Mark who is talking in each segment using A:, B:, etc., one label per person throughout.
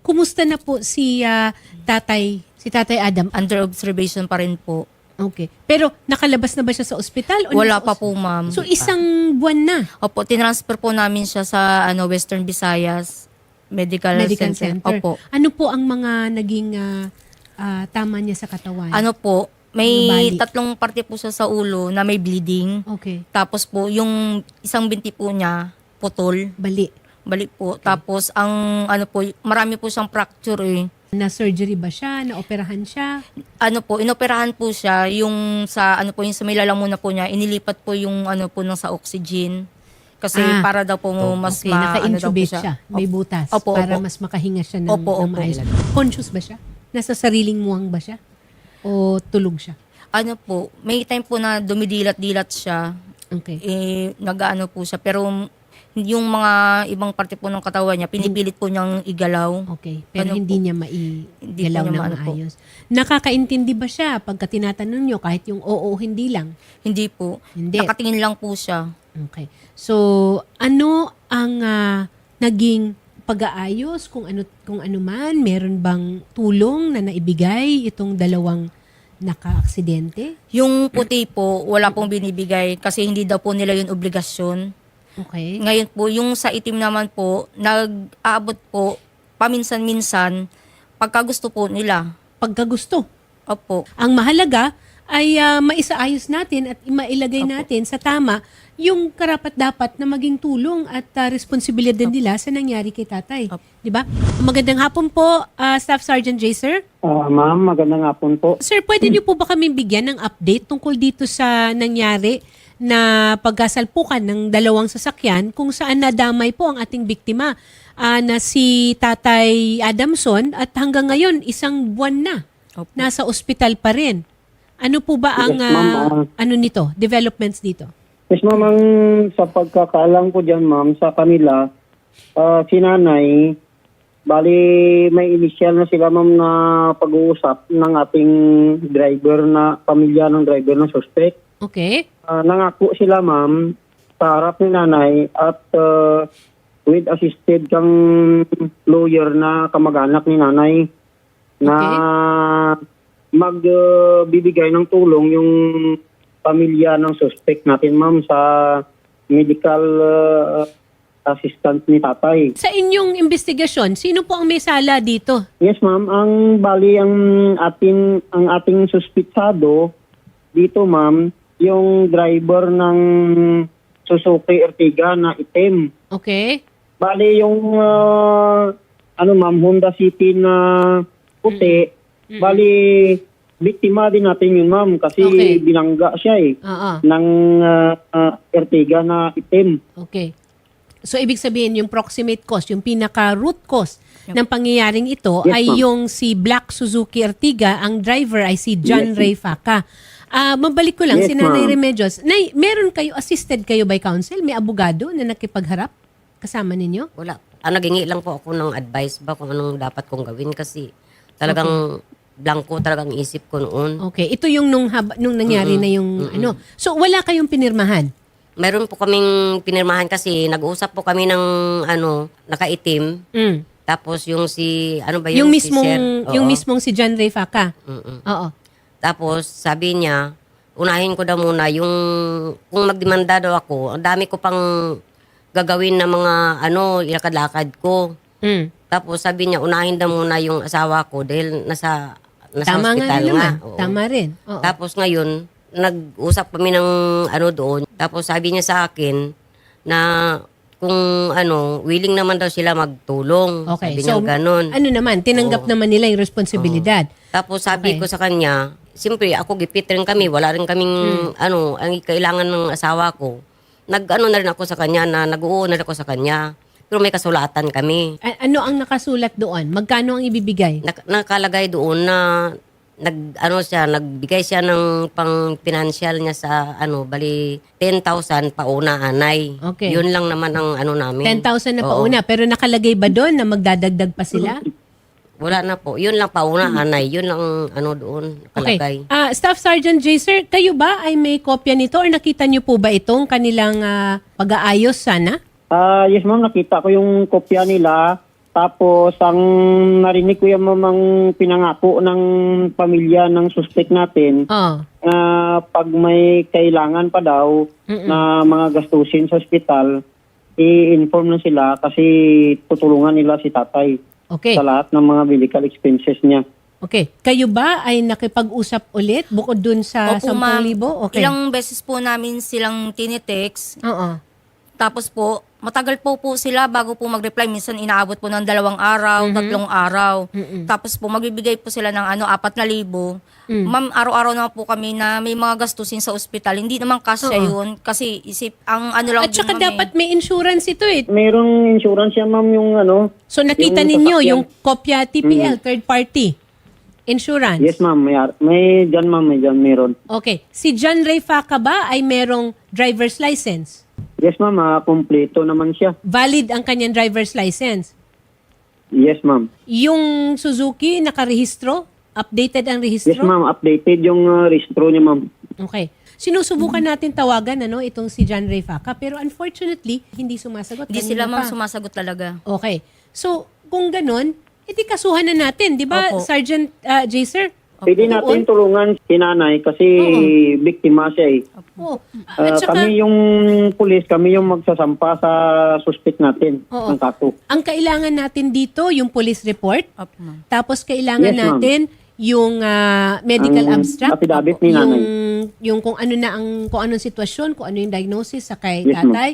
A: Kumusta na po si Tatay Adam?
B: Under observation pa rin po.
A: Okay. Pero nakalabas na ba siya sa ospital? O
B: Wala
A: nasa
B: pa po, ma'am.
A: So isang buwan na?
B: Opo, tinransfer po namin siya sa Western Visayas Medical Center. Opo.
A: Ano po ang mga naging tama niya sa katawan?
B: Ano po,
A: Ano
B: may
A: bali?
B: 3 parte po siya sa ulo na may bleeding.
A: Okay.
B: Tapos po, yung isang binti po niya, putol.
A: Bali.
B: Balik po. Tapos, marami po siyang fracture eh.
A: Na-surgery ba siya? Na-operahan siya?
B: Inoperahan po siya, yung sa yung sa may lalamuna po niya, inilipat po yung nang sa oxygen. Kasi para daw po mas
A: Okay, naka-intubate
B: daw po
A: siya. May butas.
B: Opo,
A: para
B: opo.
A: mas makahinga siya ng
B: Opo,
A: ng
B: opo.
A: maayos. Conscious ba siya? Nasa sariling muwang ba siya? O tulog siya?
B: May time po na dumidilat-dilat siya.
A: Okay.
B: Nag-ano po siya. Pero yung mga ibang parte po ng katawan niya, pinipilit po niyang igalaw.
A: Okay. Pero
B: Ano
A: hindi
B: po?
A: niya
B: Hindi
A: maigalaw
B: po niya
A: ng
B: maano po.
A: maayos. Nakakaintindi ba siya pagka tinatanong niyo kahit yung oo, hindi lang?
B: Hindi po.
A: Hindi.
B: Nakatingin lang po siya.
A: Okay. So, ano ang naging pag-aayos kung ano man, meron bang tulong na naibigay itong dalawang naka-aksidente?
B: Yung puti po, wala pong binibigay kasi hindi daw po nila yung obligasyon.
A: Okay.
B: Ngayon po, yung sa itim naman po, nag-aabot po paminsan-minsan pagka gusto po nila.
A: Pagka gusto.
B: Opo.
A: Ang mahalaga ay maisaayos natin at mailagay natin sa tama yung karapat-dapat na maging tulong at responsibilidad nila sa nangyari kay tatay.
B: Opo.
A: Di ba? Magandang hapon po, Staff Sergeant J. Sir.
C: Ma'am, magandang hapon po.
A: Sir, pwede niyo po ba kami bigyan ng update tungkol dito sa nangyari na pagkasalpukan ng dalawang sasakyan kung saan nadamay po ang ating biktima na si Tatay Adamson at hanggang ngayon isang buwan na
B: Opo.
A: nasa ospital pa rin. Ano po ba ang
C: Yes, ma'am.
A: developments dito?
C: Yes, ma'am, sa pagkakaalam ko dyan, ma'am, sa kanila, si nanay, bali may initial na sila, ma'am, na pag-uusap ng ating driver na, pamilya ng driver ng suspect.
A: Okay.
C: Nangako sila, ma'am, sa harap ni nanay at with assisted kang lawyer na kamag-anak ni nanay na magbibigay ng tulong yung pamilya ng suspect natin, ma'am, sa medical assistant ni tatay.
A: Sa inyong investigasyon, sino po ang may sala dito?
C: Yes, ma'am. Ang bali ang ating suspitsado dito, ma'am, yung driver ng Suzuki Ertiga na itim.
A: Okay.
C: Bali yung ma'am, Honda City na puti. Bali biktima din natin yun, ma'am, kasi
A: Okay.
C: binangga siya
A: Oo.
C: ng Ertiga na itim.
A: Okay. So, ibig sabihin, yung proximate cause, yung pinaka-root cause ng pangyayaring ito
C: Yes,
A: ay
C: ma'am.
A: yung si Black Suzuki Ertiga, ang driver ay si John
C: Yes,
A: Ray Faca. Mabalik ko lang,
C: Yes,
A: si Nanay
C: ma'am.
A: Remedios. Nay, meron kayo, assisted kayo by counsel? May abogado na nakipagharap kasama ninyo?
D: Wala. Nagingi lang po ako ng advice ba kung anong dapat kong gawin kasi talagang blanco talagang isip ko noon.
A: Okay. Ito yung nung nangyari na yung ano. So, wala kayong pinirmahan?
D: Meron po kaming pinirmahan kasi nag-uusap po kami ng nakaitim.
A: Mm.
D: Tapos yung si
A: Yung
D: si
A: mismong,
D: Sir?
A: yung
D: Oo.
A: mismong si John Ray Faca?
D: Mm-mm.
A: Oo.
D: Tapos sabi niya, unahin ko daw muna yung kung magdemanda daw ako, ang dami ko pang gagawin na mga ilakad-lakad ko.
A: Mm.
D: Tapos sabi niya, unahin daw muna yung asawa ko dahil nasa
A: Tama nga
D: hospital
A: rin naman.
D: Oo.
A: Tama rin. Oo.
D: Tapos ngayon, nag-usap kami ng doon. Tapos sabi niya sa akin na kung willing naman daw sila magtulong.
A: Okay.
D: Sabi niya ganun.
A: Ano naman, tinanggap
D: Oo.
A: naman nila yung responsibilidad.
D: Tapos sabi
A: Okay.
D: ko sa kanya, siyempre ako gipit rin kami. Wala rin kaming ang kailangan ng asawa ko. Na rin ako sa kanya na nag-uuna rin ako sa kanya. Pero may kasulatan kami.
A: Ano ang nakasulat doon? Magkano ang ibibigay?
D: Nakalagay doon na nagbigay siya ng pang financial niya sa bali 10,000 pauna anay.
A: Okay.
D: Yun lang naman ang namin.
A: 10,000 na
D: Oo.
A: pauna. Pero nakalagay ba doon na magdadagdag pa sila?
D: Wala na po. Yun lang pauna anay. Yun lang doon
A: Okay.
D: nakalagay.
A: Staff Sergeant J. Sir, kayo ba ay may kopya nito or nakita niyo po ba itong kanilang pag-aayos sana?
C: Yes, ma'am, nakita ko yung kopya nila Tapos, ang narinig ko yung mamang pinangako ng pamilya ng suspect natin,
A: Oh.
C: pag may kailangan pa daw na mga gastusin sa ospital, i-inform na sila kasi tutulungan nila si tatay
A: Okay.
C: sa lahat ng mga medical expenses niya.
A: Okay. Kayo ba ay nakipag-usap ulit bukod dun sa
B: Opo, ma'am.
A: 10,000? Okay.
B: Ilang beses po namin silang tinitext.
A: Oo.
B: Tapos po, matagal po sila bago po mag-reply. Minsan inaabot po ng 2 araw, 3 araw. Tapos po, magbibigay po sila ng 4,000. Ma'am, araw-araw naman po kami na may mga gastusin sa ospital. Hindi naman kasya yun. Kasi ang lang
A: At
B: din,
A: saka
B: ma'am,
A: dapat may insurance ito eh.
C: Mayroong insurance yan, ma'am, yung ano.
A: So nakita
C: Yung
A: ninyo
C: sasakyan.
A: yung kopya TPL, third party insurance.
C: Yes, ma'am. May dyan, ma'am. May dyan, meron.
A: Okay. Si John Ray Faca ba ay merong driver's license?
C: Yes, ma'am. Kompleto naman siya.
A: Valid ang kanyang driver's license.
C: Yes, ma'am.
A: Yung Suzuki nakarehistro? Updated ang
C: Yes,
A: rehistro?
C: ma'am. Updated yung registro niya, ma'am.
A: Okay. Sinusubukan natin tawagan itong si John Ray Faca pero unfortunately hindi sumasagot.
B: Hindi
A: Kanina
B: sila ma'am
A: pa.
B: sumasagot talaga.
A: Okay. So, kung ganun, edi kasuhan na natin, di ba,
B: Opo.
A: Sergeant Jaser?
C: Pwede natin tulungan si nanay kasi biktima siya eh.
A: Oo. At saka,
C: Kami yung pulis, kami yung magsasampa sa suspect natin
A: Oo.
C: ng kaso.
A: ang kailangan natin dito, yung police report,
B: Opo, ma'am.
A: tapos kailangan
C: Yes, ma'am.
A: natin yung medical
C: Ang
A: abstract,
C: affidavit ni nanay.
A: yung kung ano na ang kung anong sitwasyon, kung ano yung diagnosis sa kay
C: Yes, ma'am.
A: tatay,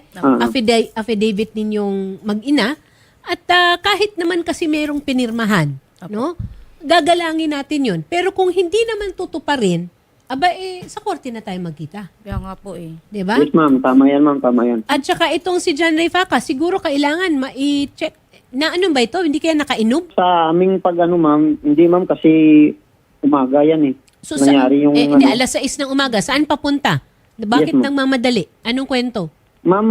A: affidavit ninyong mag-ina, at kahit naman kasi merong pinirmahan, no? Gagalangin natin yun. Pero kung hindi naman tutuparin, sa korte na tayo magkita.
B: Kaya nga po eh.
A: Di ba?
C: Yes, ma'am. Tama yan, ma'am. Tama yan.
A: At saka itong si John Ray Faca, siguro kailangan ma-check. Na ano ba ito? Hindi kaya nakainom?
C: Sa aming ma'am, hindi, ma'am, kasi umaga yan eh.
A: So,
C: Nangyari yung
A: hindi, alas 6 ng umaga. Saan papunta? Bakit
C: Yes, ma'am.
A: nang mamadali? Anong kwento?
C: Ma'am,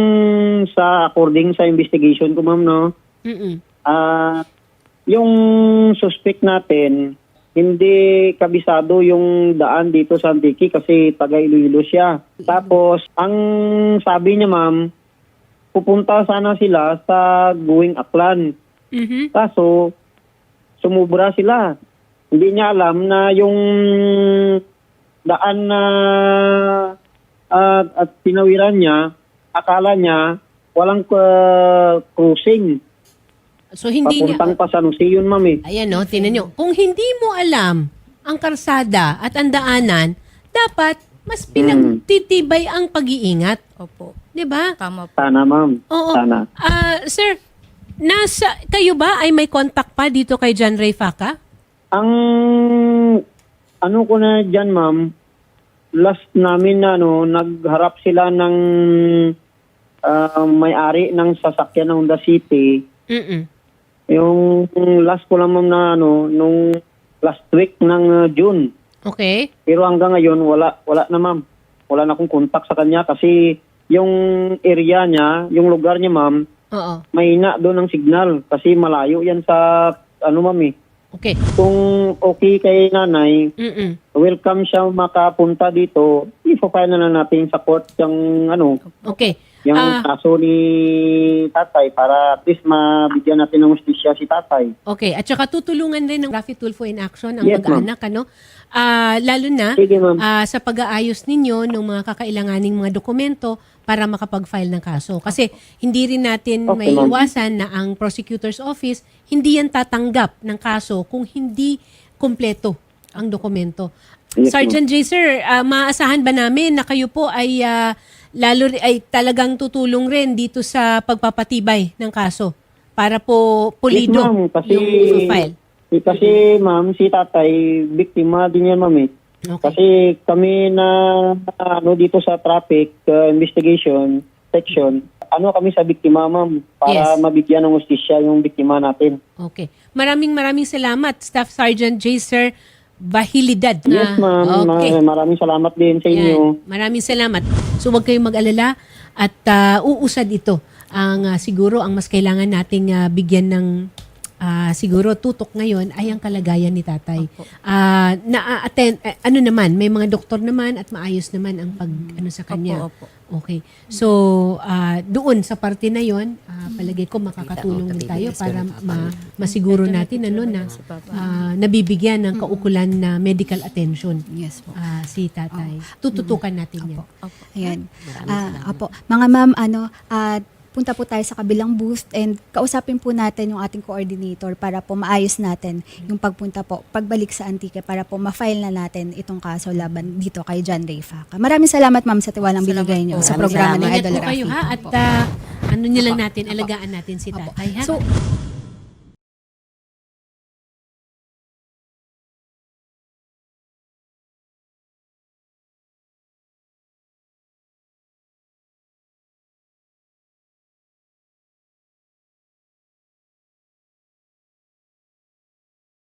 C: according sa investigation ko, ma'am, no,
A: Mm-mm.
C: yung suspect natin, hindi kabisado yung daan dito sa Antique kasi taga Iloilo siya. Tapos, ang sabi niya, ma'am, pupunta sana sila sa Going Aklan.
A: Mhm.
C: Kaso, sumubra sila. Hindi niya alam na yung daan na at pinawiran niya, akala niya walang cruising.
A: So hindi niya...
C: Papuntang pa San Jose yun, ma'am eh.
A: Ayan no, tinan nyo. Kung hindi mo alam ang karsada at ang daanan, dapat mas pinagtitibay ang pag-iingat.
B: Opo.
A: 'Di ba?
B: Tama po.
C: Sana, ma'am.
A: Oo.
C: Sana.
A: Sir, kayo ba ay may contact pa dito kay John Ray Faca?
C: Ang ano ko na dyan, ma'am, last namin na nagharap sila ng may-ari ng sasakyan ng Honda City.
A: Mm-mm.
C: Yung last ko lang, ma'am, na nung last week ng June.
A: Okay.
C: Pero hanggang ngayon, wala na, ma'am. Wala na akong contact sa kanya kasi yung area niya, yung lugar niya, ma'am,
A: Oo.
C: mahina doon ang signal kasi malayo yan sa ma'am eh.
A: Okay.
C: Kung okay kay nanay,
A: Mm-mm.
C: welcome siya makapunta dito. I-file na lang natin sa court yung
A: Okay.
C: yung kaso ni tatay para at least mabigyan natin ng hustisya si tatay.
A: Okay. At saka tutulungan rin ng Rafi Tulfo in Action ang
C: Yes,
A: mag-anak, lalo na
C: Sige, ma'am.
A: sa pag-aayos ninyo ng mga kakailanganing mga dokumento para makapag-file ng kaso. Kasi hindi rin natin
C: Okay,
A: may
C: ma'am.
A: iwasan na ang prosecutor's office hindi yan tatanggap ng kaso kung hindi kumpleto ang dokumento.
C: Yes,
A: Sergeant Jaser, maaasahan ba namin na kayo po ay talagang tutulong rin dito sa pagpapatibay ng kaso para po pulido
C: Yes, ma'am, kasi
A: yung file?
C: Kasi ma'am, si tatay biktima din yan, ma'am eh.
A: Okay.
C: Kasi kami na dito sa traffic investigation section, kami sa biktima, ma'am, para
A: Yes.
C: mabigyan ng hustisya yung biktima natin.
A: Okay. Maraming salamat, Staff Sergeant Jaser Bahilidad.
C: Yes, ma'am.
A: Okay.
C: Maraming salamat din sa inyo.
A: Yan. Maraming salamat. So huwag kayong mag-alala at uusad ito. Ang siguro ang mas kailangan nating bigyan ng siguro tutok ngayon ay ang kalagayan ni tatay. Na-attend, ano naman, may mga doktor naman at maayos naman ang pag ano sa kanya.
B: Opo.
A: Okay. So, doon sa parte na yon, palagay ko makakatulong din tayo para masiguro natin ano na nabibigyan ng kaukulan na medical attention
E: Yes po.
A: si tatay. Tututukan natin yan.
E: Ayan. Apo. Mga ma'am, punta po tayo sa kabilang booth and kausapin po natin yung ating coordinator para po maayos natin yung pagpunta po, pagbalik sa Antique para po ma-file na natin itong kaso laban dito kay John Ray Faca. Maraming salamat ma'am sa tiwalang binigay niyo sa
D: Maraming
E: programa ng
D: salamat.
A: Ingat
E: Idol
A: po kayo
E: Rafi.
A: ha at ano niyo lang natin, alagaan natin si tatay ha.
E: So,